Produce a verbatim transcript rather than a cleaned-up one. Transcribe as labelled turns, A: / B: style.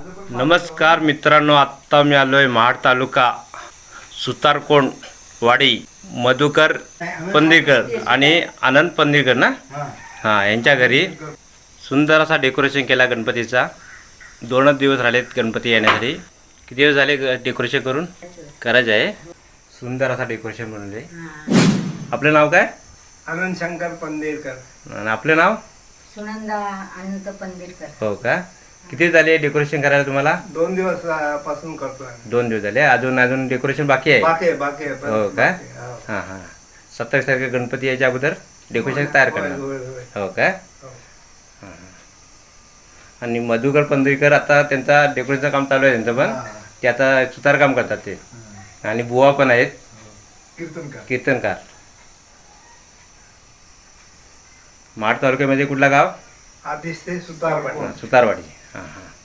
A: नमस्कार मित्रांनो, आत्ता मी आलो आहे महाड तालुका सुतारकोंड वाडी मधुकर पंधीकर आणि आनंद पंधीकर ना हां यांच्या घरी सुंदर असा डेकोरेशन केला गणपतीचा. दोनच दिवस राहिलेत गणपती येण्यासाठी. किती दिवस झाले डेकोरेशन करून? करायचं आहे. सुंदर असा डेकोरेशन बनवले. आपलं नाव काय?
B: आनंद शंकर पंधीरकर.
A: आणि आपलं नाव?
C: सुनंदा अनंत पंधीरकर.
A: हो का? किती झाले डेकोरेशन करायला तुम्हाला?
B: दोन दिवस अं, पासून करतोय.
A: दोन दिवस झाले. अजून अजून डेकोरेशन बाकी आहे?
B: बाकी आहे, बाकी आहे, पण
A: हो का?
B: बाकी आहे, हो.
A: हां हां सत्तावीस तारखे गणपती यायच्या अगोदर डेकोरेशन तयार
B: होय,
A: करणार.
B: होय, होय.
A: हो का?
B: हो.
A: हां हां आणि मधुकर पंधरीकर आता त्यांचा डेकोरेशनचं काम चालू आहे त्यांचं पण.
B: हा.
A: ते आता सुतार काम करतात ते. आणि बुवा पण आहेत
B: कीर्तनकार.
A: कीर्तनकार. महाड तालुक्यामध्ये कुठला गाव?
B: आतिश ते सुतारवाडी.
A: सुतारवाडी. हां हां